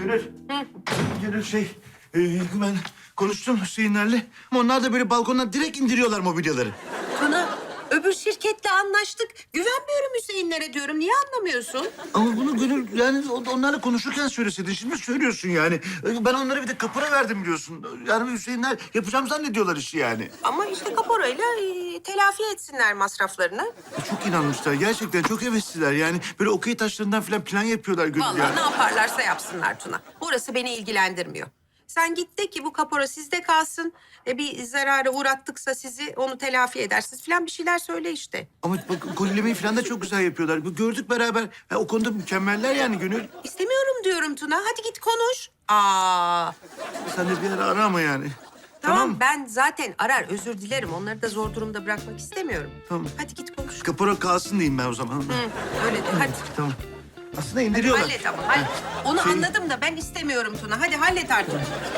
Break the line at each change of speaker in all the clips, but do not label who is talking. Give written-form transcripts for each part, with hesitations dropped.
Gönül. Gönül ben konuştum Hüseyinlerle. Ama onlar da böyle balkondan direkt indiriyorlar mobilyaları.
Tuna, öbür şirketle anlaştık. Güvenmiyorum Hüseyinlere diyorum. Niye anlamıyorsun?
Ama bunu Gönül yani onlarla konuşurken söyleseydin. Şimdi söylüyorsun yani. Ben onlara bir de kapora verdim biliyorsun. Yani Hüseyinler yapacağım zannediyorlar işi yani.
Ama işte kaporayla telafi etsinler masraflarını.
Çok inanmışlar. Gerçekten çok hevesliler. Yani böyle okey taşlarından falan plan yapıyorlar Gönül
Vallahi
ya.
ne yaparlarsa yapsınlar Tuna. Orası beni ilgilendirmiyor. Sen git de ki bu kapora sizde kalsın. Bir zarara uğrattıksa sizi onu telafi edersiniz falan bir şeyler söyle işte.
Ama bak kolilemeyi falan da çok güzel yapıyorlar. Gördük beraber. Ha, o konuda mükemmeller yani Gönül.
İstemiyorum diyorum Tuna. Hadi git konuş. Aa,
Sen de bir ara ara ama yani.
tamam ben zaten arar özür dilerim. Onları da zor durumda bırakmak istemiyorum.
Tamam.
Hadi git konuş.
Kapora kalsın diyeyim ben o zaman.
Hı, öyle de hadi.
Tamam. Aslında indiriyorlar.
Hallet ama hallet. Onu anladım da ben istemiyorum Tuna. Hadi hallet artık.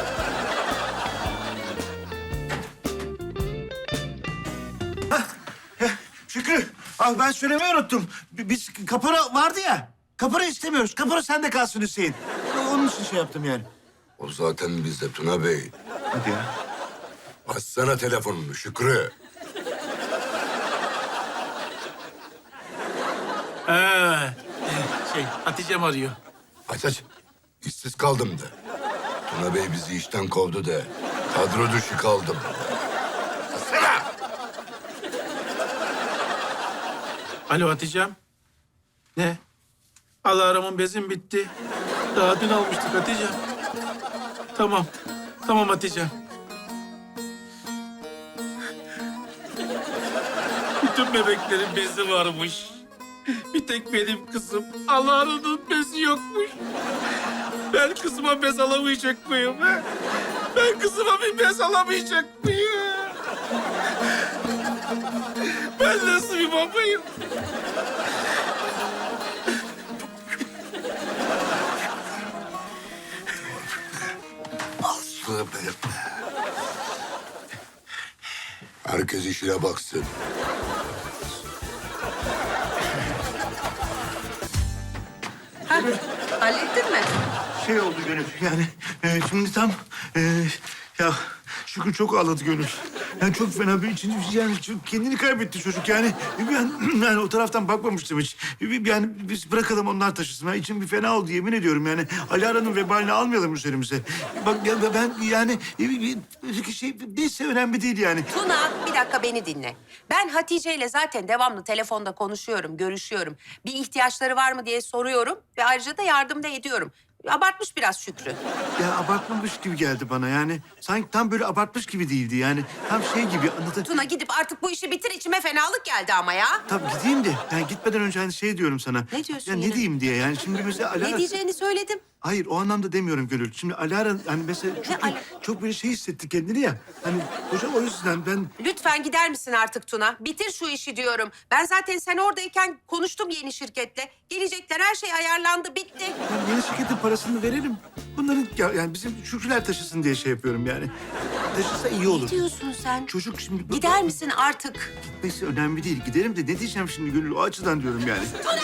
Şükrü, ben söylemeyi unuttum. Biz kapora vardı ya. Kapora istemiyoruz. Kapora sende kalsın Hüseyin. Onun için şey yaptım yani.
O zaten bizde Tuna Bey.
Hadi ya.
Açsana telefonunu Şükrü.
Hatice'm arıyor.
Aç aç. İşsiz kaldım de. Tuna Bey bizi işten kovdu de. Kadro dışı kaldım. Açsana.
Alo Hatice'm. Ne? Alarmın bezim bitti. Daha dün almıştık Hatice'm. Tamam. Tamam Hatice'm. Bütün bebeklerin bezi varmış. Bir tek benim kızım. Alarmın bezi yokmuş. Ben kızıma bez alamayacak mıyım? He? Ben kızıma bir bez alamayacak mıyım? Ben nasıl bir babayım?
Aslı be. Herkes işine baksın.
Ha, hallettin mi?
Şey oldu Gönül yani şimdi tam ya Şükrü çok ağladı Gönül. Yani çok fena bir içinci yani kendini kaybetti çocuk yani. Yani o taraftan bakmamıştım hiç. Yani biz bırakalım onlar taşısın. Ben içim bir fena oldu yemin ediyorum yani. Alara'nın vebalini almayalım üzerimize. Bak ya ben yani neyse önemli değil yani.
Tuna bir dakika beni dinle. Ben Hatice ile zaten devamlı telefonda konuşuyorum, görüşüyorum. Bir ihtiyaçları var mı diye soruyorum ve ayrıca da yardım da ediyorum. Abartmış biraz Şükrü.
Ya abartmamış gibi geldi bana yani. Sanki tam böyle abartmış gibi değildi yani. Tam şey gibi anlatır.
Tuna gidip artık bu işi bitir içime fenalık geldi ama ya.
Tabii gideyim de yani gitmeden önce hani şey diyorum sana.
Ne diyorsun
ya
yine?
ne diyeyim diye yani şimdi mesela Alara...
Ne diyeceğini söyledim.
Hayır o anlamda demiyorum Gönül. Şimdi Alara hani mesela çok böyle şey hissetti kendini ya. Hani hocam o yüzden ben...
Lütfen gider misin artık Tuna? Bitir şu işi diyorum. Ben zaten sen oradayken konuştum yeni şirketle. Gelecekler her şey ayarlandı bitti.
Ben yeni şirketin parasını verelim. Bunların yani bizim Şükrüler taşısın diye şey yapıyorum yani. Taşısa iyi olur.
Ne diyorsun sen?
Çocuk şimdi...
Gider misin artık?
Gitmesi önemli değil. Giderim de ne diyeceğim şimdi Gönül? O açıdan diyorum yani.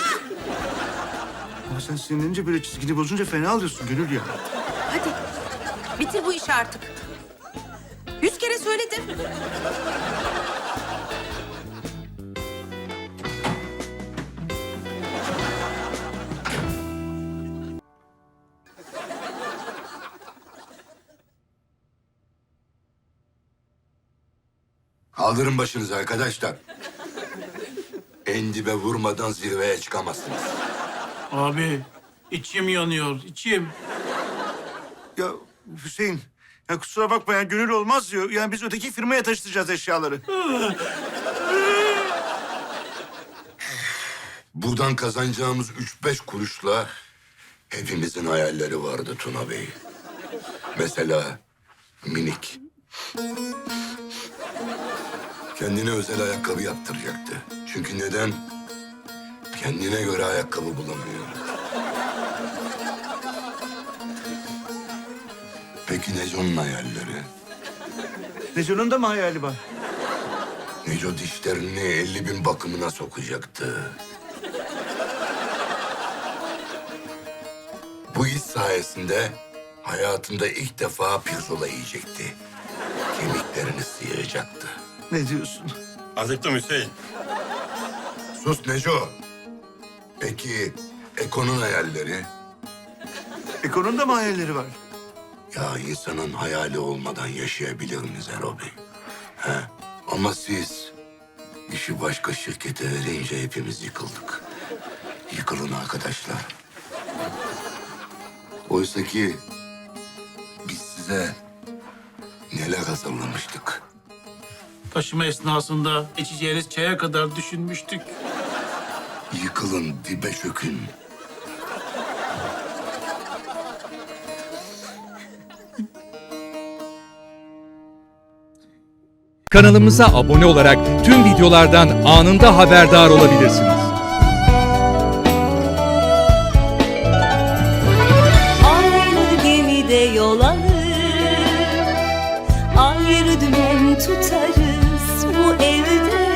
Ama sen sinirlenince böyle çizgini bozunca fena alıyorsun Gönül ya.
Hadi bitir bu işi artık. 100 kere söyledim.
Kaldırın başınızı arkadaşlar. En dibe vurmadan zirveye çıkamazsınız.
Abi içim yanıyor, içim.
Ya Hüseyin, ya kusura bakma ya Gönül olmaz diyor. Yani biz öteki firmaya taşıtacağız eşyaları.
Buradan kazanacağımız 3-5 kuruşla hepimizin hayalleri vardı Tuna Bey. Mesela minik. Kendine özel ayakkabı yaptıracaktı. Çünkü neden? Kendine göre ayakkabı bulamıyor. Peki Neco'nun hayalleri?
Neco'nun da mı hayali var?
Neco dişlerini 50.000 bakımına sokacaktı. Bu Bu iş sayesinde hayatında ilk defa pirzola yiyecekti. Kemiklerini sıyıracaktı.
Ne diyorsun?
Acıktım Hüseyin.
Sus Neco. Peki Eko'nun hayalleri?
Eko'nun da mı hayalleri var?
Ya insanın hayali olmadan yaşayabilir mi Zero Bey? He? Ama siz işi başka şirkete verince hepimiz yıkıldık. Yıkılın arkadaşlar. Oysa ki biz size neler hazırlamıştık.
Taşıma esnasında içeceğiniz çaya kadar düşünmüştük.
Yıkılın, dibe çökün.
Kanalımıza abone olarak tüm videolardan anında haberdar olabilirsiniz.
Aynı gemide yol alır, ayrı dümen tutarız bu evde.